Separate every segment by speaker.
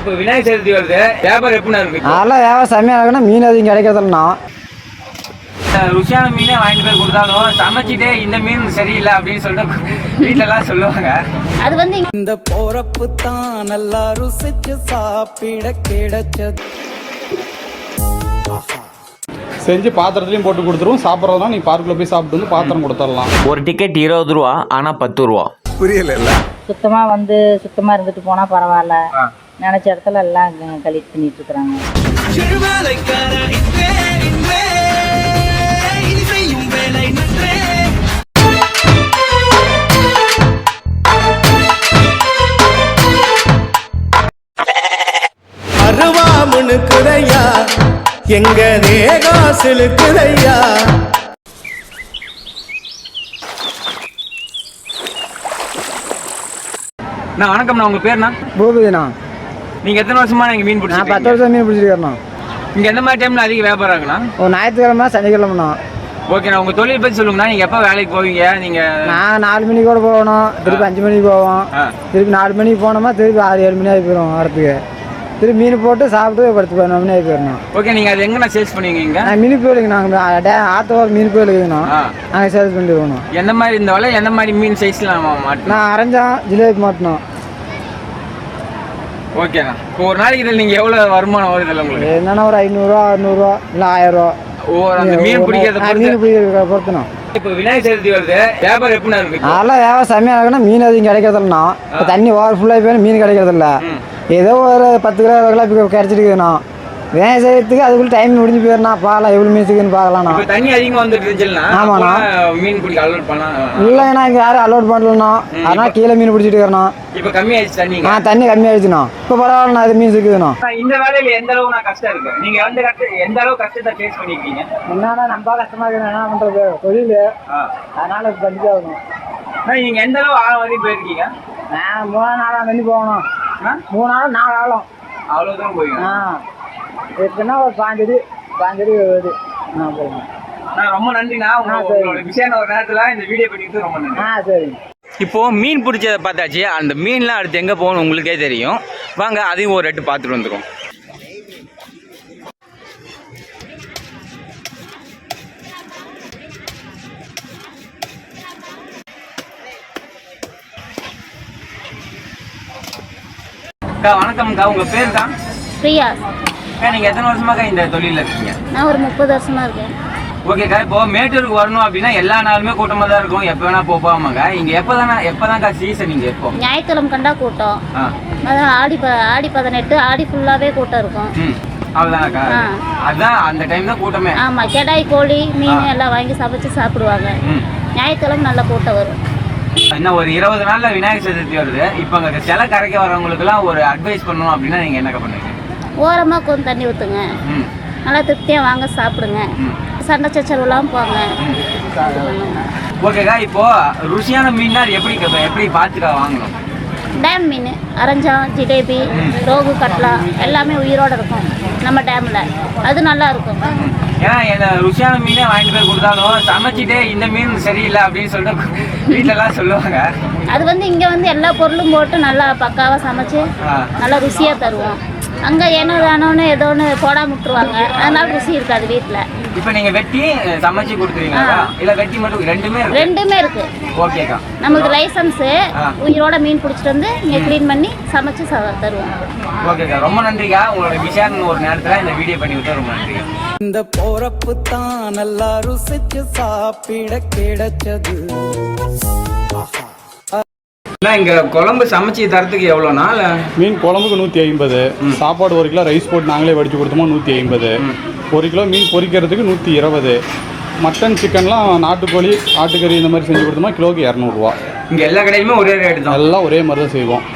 Speaker 1: இப்போ விநாயகர் சதுர்த்தி வருது, வியாபாரம் எப்படி இருக்கு?
Speaker 2: அதெல்லாம் வியாபாரம் செம்மையாக இருக்குன்னா மீன் அதிகம் கிடைக்கிறதுனா
Speaker 1: ருசியான மீனே வாங்கிட்டு போய் கொடுத்தாலும் சமைச்சிட்டே இந்த மீன் சரியில்லை அப்படின்னு சொல்லிட்டு வீட்டிலலாம் சொல்லுவாங்க.
Speaker 3: அது வந்து
Speaker 4: இந்த போறப்பு தான் நல்லா ருசிச்சு சாப்பிட கிடைச்சது.
Speaker 5: செஞ்சு பாத்திரத்துலையும் போட்டு கொடுத்துருவோம். சாப்பிட்றதுனா நீ பார்க்கில் போய் சாப்பிட்டு வந்து பாத்திரம் கொடுத்துடலாம்.
Speaker 1: ஒரு டிக்கெட் 20 ரூபா, ஆனால் 10 ரூபா.
Speaker 5: புரியல.
Speaker 3: சுத்தமா இருந்துட்டு போனா பரவாயில்ல, நினைச்ச இடத்துல எல்லாம் கலெக்ட் பண்ணிட்டு இருக்கிறாங்க.
Speaker 4: அருவாமுனுக்குதையா எங்க தேகாசிலுக்குதையா.
Speaker 1: நான் வணக்கம்ண்ணா, உங்கள் பேர்ண்ணா?
Speaker 2: பூபதிண்ணா.
Speaker 1: நீங்கள் எத்தனை வருஷமா நீங்கள் மீன் பிடிச்சி?
Speaker 2: நான் 10 வருஷம் மீன் பிடிச்சிருக்கேண்ணா.
Speaker 1: இங்கே எந்த மாதிரி டைமில் அதிக வியாபாரம் இருக்குண்ணா?
Speaker 2: ஒரு ஞாயிற்றுக்கிழமை சனிக்கிழமைண்ணா.
Speaker 1: ஓகேண்ணா, உங்கள் தொழில் பற்றி சொல்லுங்கண்ணா. நீங்கள் எப்போ வேலைக்கு போவீங்க? நீங்கள்
Speaker 2: நான் 4 மணிக்கு கூட போகணும், திருப்பி 5 மணிக்கு போவோம், திருப்பி 4 மணிக்கு போனோமா திருப்பி 6-7 மணி ஆகி போயிடும் வரத்துக்கு. திருப்பி மீன் போட்டு சாப்பிட்டு படுத்து 9 மணி ஆகி போயிடணும்.
Speaker 1: ஓகே, நீங்கள் அது எங்கண்ணா சேல்ஸ் பண்ணுவீங்க?
Speaker 2: நான் மீன் கோயிலுக்கு நாங்கள் ஆத்தோர் மீன் கோயில் இருக்குதுண்ணா, நாங்கள் சேல்ஸ் பண்ணிட்டு போகணும்.
Speaker 1: எந்த மாதிரி இந்த வலை எந்த மாதிரி மீன் சைஸில் மாட்டோம்?
Speaker 2: நான் அரைஞ்சோம் ஜிலேபி மாட்டணும்.
Speaker 1: ஓகேண்ணா, இப்போ ஒரு நாளைக்கு இதில் நீங்கள் எவ்வளோ வருமானம் வருது இல்லை உங்களுக்கு?
Speaker 2: என்னன்னா ஒரு 500 600 இல்லை 1000 ரூபா.
Speaker 1: அந்த மீன் பிடிக்கிறத
Speaker 2: மீன் பிடிக்கிறத பொறுத்துண்ணா.
Speaker 1: இப்போ விநாயகர் சதுர்த்தி வருது, வியாபாரம் எப்படி இருக்கு?
Speaker 2: அதெல்லாம் வியாபாரம் செம்மையாக இருக்குன்னா மீன் அதிகம் கிடைக்கிறதில்லண்ணா. இப்போ தண்ணி ஓவர் ஃபுல்லாக போய் மீன் கிடைக்கிறதில்ல. ஏதோ ஒரு 10 கிலோ 20 கிலோ இப்போ கிடைச்சிருக்குதுண்ணா. விநாயகர் சதுர்த்திக்கு அதுக்குள்ள டைம் முடிஞ்சு போயிடணா. பார்க்கலாம் எவ்வளோ மீன் இருக்குன்னு பார்க்கலாம்ண்ணா.
Speaker 1: தண்ணி அதிகமாக வந்துட்டு இருந்துச்சுன்னா
Speaker 2: ஆமாண்ணா,
Speaker 1: மீன் பிடிக்க அலோட் பண்ணலாம்.
Speaker 2: இல்லைண்ணா இங்கே யாரும் அலோட் பண்ணலண்ணா. அதனால் கீழே மீன் பிடிச்சிட்டு இருக்கிறண்ணா.
Speaker 1: இப்போ கம்மியாயிடுச்சு தண்ணி?
Speaker 2: தண்ணி கம்மியாயிடுச்சுண்ணா. இப்போ பரவாயில்லண்ணா, இது மீன் இருக்குதுண்ணா.
Speaker 1: இந்த வேலையில் எந்த அளவு நான் கஷ்டம் இருக்கு? நீங்கள் எந்த அளவு கஷ்டத்தை ஃபேஸ் பண்ணிருக்கீங்க?
Speaker 2: என்னன்னா ரொம்ப கஷ்டமாக இருக்குது. என்ன பண்ணுறது, தொழில் அதனால் இது பண்ணிட்டு ஆகணும்.
Speaker 1: நீங்கள் எந்த அளவு ஆழம் வரையும் போயிருக்கீங்க?
Speaker 2: நான் 3 நாளாக தண்ணி போகணும். 3 நாளும் 4 ஆளும்
Speaker 1: அவ்வளோதான் போயிருக்கேன்.
Speaker 2: எப்படின்னா ஒரு 5 அடி வருது. போகணும்.
Speaker 1: நான் ரொம்ப நன்றிண்ணா, உங்களோட விஷயம் ஒரு நேரத்தில் இந்த வீடியோ பண்ணிட்டு ரொம்ப நன்றி.
Speaker 2: சரிங்க.
Speaker 1: இப்போது மீன் பிடிச்சதை பார்த்தாச்சு. அந்த மீன்லாம் அடுத்து எங்கே போகணும் உங்களுக்கே தெரியும். வாங்க அதையும் ஒரு ரெட்டு பார்த்துட்டு வந்துடும். அக்கா வணக்கம்க்கா, உங்கள் பேர் தான்?
Speaker 3: பிரியா.
Speaker 1: அக்கா நீங்கள் எத்தனை வருஷமாக்கா இந்த தொழிலில் இருக்கீங்க?
Speaker 3: நான் ஒரு 30 வருஷமா இருக்கேன்.
Speaker 1: ஓகேக்கா, இப்போ மேட்டூருக்கு வரணும் அப்படின்னா எல்லா நாளுமே கூட்டமாக தான் இருக்கும், எப்போ வேணா போகாமாங்க. இங்கே எப்போதான்க்கா சீசன்? நீங்கள் எப்போ?
Speaker 3: ஞாயிற்றுக்கிழமை கண்டா கூட்டம். அதான் ஆடி 18 ஆடி ஃபுல்லாகவே கூட்டம் இருக்கும்.
Speaker 1: அவ்வளோதானக்கா, அதுதான் அந்த டைம் தான் கூட்டமே.
Speaker 3: ஆமாம், கெடாய் கோழி மீன் எல்லாம் வாங்கி சமைச்சு சாப்பிடுவாங்க. ஞாயிற்றுக்கிழமை நல்ல கூட்டம் வரும்.
Speaker 1: இன்னும் ஒரு 20 நாளில் விநாயகர் சதுர்த்தி வருது. இப்போ அங்கே சிலை கரைக்க வரவங்களுக்குலாம் ஒரு அட்வைஸ் பண்ணணும் அப்படின்னா நீங்கள் என்னக்கா பண்ணுவீங்க?
Speaker 3: ஓரமாக கொஞ்சம் தண்ணி ஊற்றுங்க, நல்லா திருப்தியாக வாங்க சாப்பிடுங்க, சண்டை சச்சரவுலாம் போங்க.
Speaker 1: ஓகேக்கா, இப்போது ருசியான மீன்னா அது எப்படி பார்த்துக்கா வாங்கணும்?
Speaker 3: டேம் மீன் அரஞ்சம் ஜிலேபி ரோகு கட்லா எல்லாமே உயிரோடு இருக்கும் நம்ம டேமில், அது நல்லா இருக்கும்.
Speaker 1: ஏன்னா இந்த ருசியான மீனே வாங்கிட்டு போய் கொடுத்தாலும் சமைச்சிட்டே இந்த மீன் சரியில்லை அப்படின்னு சொல்லிட்டு வீட்டிலலாம் சொல்லுவாங்க.
Speaker 3: அது வந்து இங்கே வந்து எல்லா பொருளும் போட்டு நல்லா பக்காவாக சமைச்சு நல்லா ருசியாக தருவோம். அங்கே ஏனோ தானோன்னு ஏதோ ஒன்று போடாம விட்டுருவாங்க, அதனால ருசி இருக்காது வீட்டில்.
Speaker 1: இப்போ நீங்கள் வெட்டி சமைச்சு கொடுத்துருவீங்களா இல்லை வெட்டி மட்டும்? ரெண்டுமே இருக்கு. ஓகேக்கா,
Speaker 3: நமக்கு லைசன்ஸு, உயிரோட மீன் பிடிச்சிட்டு வந்து இங்கே க்ளீன் பண்ணி சமைச்சு தருவோம்.
Speaker 1: ஓகேக்கா, ரொம்ப நன்றிக்கா. உங்களோட விஷயம் ஒரு நேரத்தில் இந்த வீடியோ பண்ணி விட்டு ரொம்ப நன்றி.
Speaker 4: இந்த போறப்பு தான் நல்லா ருசிச்சு சாப்பிட கிடைச்சது.
Speaker 1: இங்கே குழம்பு சமைச்சு தரத்துக்கு எவ்வளோனா?
Speaker 5: மீன் குழம்புக்கு 150, சாப்பாடு 1 கிலோ ரைஸ் போட்டு நாங்களே வடித்து கொடுத்தோமா 150, 1 கிலோ மீன் பொரிக்கிறதுக்கு 120, மட்டன் சிக்கன்லாம் நாட்டுக்கோழி ஆட்டுக்கறி இந்த மாதிரி செஞ்சு கொடுத்தோமா கிலோக்கு 200 ரூபா.
Speaker 1: இங்கே எல்லா கடையுமே ஒரே ரேட்டு தான்?
Speaker 5: எல்லாம் ஒரே மாதிரி தான் செய்வோம்.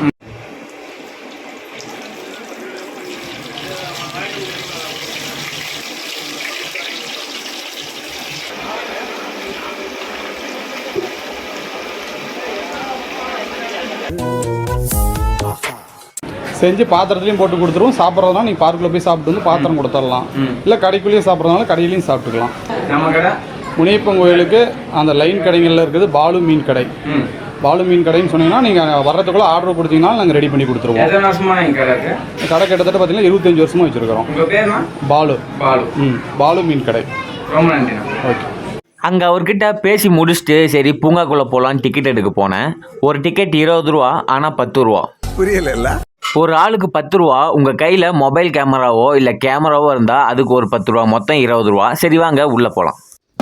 Speaker 5: செஞ்சு பாத்திரத்துலையும் போட்டு கொடுத்துருவோம். சாப்பிட்றதுனா நீங்கள் பார்க்கில் போய் சாப்பிட்டு வந்து பாத்திரம் கொடுத்துடலாம். இல்லை கடைக்குள்ளேயே சாப்பிட்றதுனால கடையிலையும் சாப்பிட்டுக்கலாம்.
Speaker 1: நம்ம கடை
Speaker 5: முனியப்பன் கோயிலுக்கு அந்த லைன் கடைகளில் இருக்குது பாலு மீன் கடை. பாலு மீன் கடைன்னு சொன்னீங்கன்னா நீங்கள் வர்றதுக்குள்ளே ஆர்டர் கொடுத்தீங்கன்னா நாங்கள் ரெடி பண்ணி கொடுத்துருவோம்.
Speaker 1: எத்தனை வருஷமா எங்க கடை இருக்கு?
Speaker 5: கடை கிட்டத்தட்ட பார்த்தீங்கன்னா 25 வருஷமாக வச்சுருக்கிறோம்.
Speaker 1: உங்க பேருமா?
Speaker 5: பாலு.
Speaker 1: பாலு.
Speaker 5: பாலு மீன் கடை.
Speaker 1: ரொம்ப நன்றிண்ணா.
Speaker 5: ஓகே.
Speaker 6: அங்கே அவர்கிட்ட பேசி முடிச்சுட்டு சரி பூங்காக்குள்ளே போகலான்னு டிக்கெட் எடுக்க போனேன். ஒரு டிக்கெட் 20 ரூபா, ஆனால் 10 ரூபா.
Speaker 4: புரியல.
Speaker 6: ஒரு ஆளுக்கு 10 ரூபா. உங்கள் கையில் மொபைல் கேமராவோ இல்லை கேமராவோ இருந்தால் அதுக்கு ஒரு 10 ரூபா, மொத்தம் 20 ரூபா. சரி வாங்க உள்ளே போகலாம்.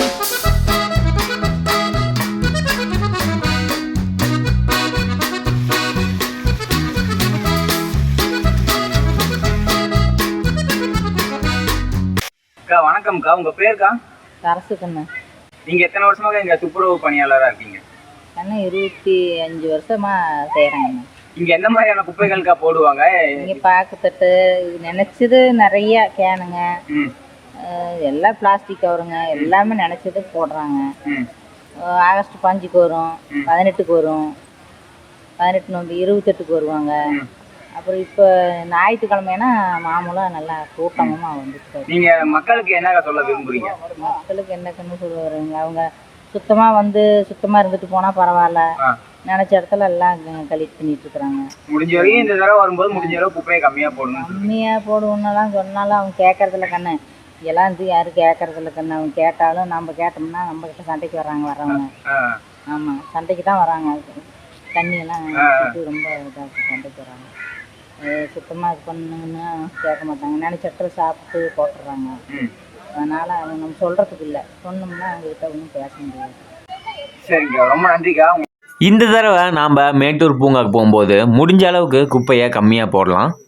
Speaker 1: அக்கா வணக்கம்க்கா, உங்க பேருக்கா?
Speaker 7: சரசுக்கண்ணு.
Speaker 1: நீங்க எத்தனை வருஷமாக இங்க துப்புரவு பணியாளராக இருக்கீங்க?
Speaker 7: கண்ணு 25 வருஷமா செய்கிறேங்க.
Speaker 1: இங்க எந்த மாதிரியான குப்பைகளுக்கா போடுவாங்க?
Speaker 7: இங்கே பாக்குத்தட்டு நினச்சது நிறைய கேனுங்க, எல்லாம் பிளாஸ்டிக் கவருங்க, எல்லாமே நினச்சது போடுறாங்க. ஆகஸ்ட் 5க்கு வரும், 18க்கு வரும், 18 நோம்பு 28க்கு வருவாங்க. அப்புறம் இப்போ ஞாயிற்றுக்கிழமைனா மாமூலாக நல்லா கூட்டமாக வந்துட்டு.
Speaker 1: நீங்க மக்களுக்கு என்ன சொல்ல விரும்புறீங்க?
Speaker 7: மக்களுக்கு என்னக்குன்னு சொல்லுவாருங்க, அவங்க சுத்தமாக இருந்துட்டு போனால் பரவாயில்ல, நினச்ச இடத்துல எல்லாம் கலெக்ட் பண்ணிட்டு இருக்கிறாங்க.
Speaker 1: முடிஞ்ச வரைக்கும் இந்த தடவை வரும்போது முடிஞ்ச அளவு குப்பையை கம்மியாக போடணும்.
Speaker 7: கம்மியாக போடுவோன்னெல்லாம் சொன்னாலும் அவங்க கேட்கறதில்ல கண்ணு. எல்லாம் யாரும் கேட்கறதில்ல கண்ணு. அவங்க கேட்டாலும் நம்ம கேட்டோம்னா நம்மக்கிட்ட சண்டைக்கு வரவங்க. ஆமாம், சண்டைக்கு தான் வராங்க. தண்ணியெல்லாம் ரொம்ப இதாக சண்டைக்கு வராங்க. சுத்தமாக இது பண்ணுங்கன்னா கேட்க மாட்டாங்க. நினச்ச இடத்துல சாப்பிட்டு போட்டுடுறாங்க. அதனால் அவங்க நம்ம சொல்கிறதுக்கு இல்லை, சொன்னோம்னா அவங்ககிட்ட ஒன்றும் பேச முடியாது.
Speaker 1: சரிங்க, ரொம்ப நன்றிக்கா.
Speaker 6: இந்த தடவை நாம் மேட்டூர் பூங்காக்கு போகும்போது முடிஞ்ச அளவுக்கு குப்பையை கம்மியாக போடலாம்.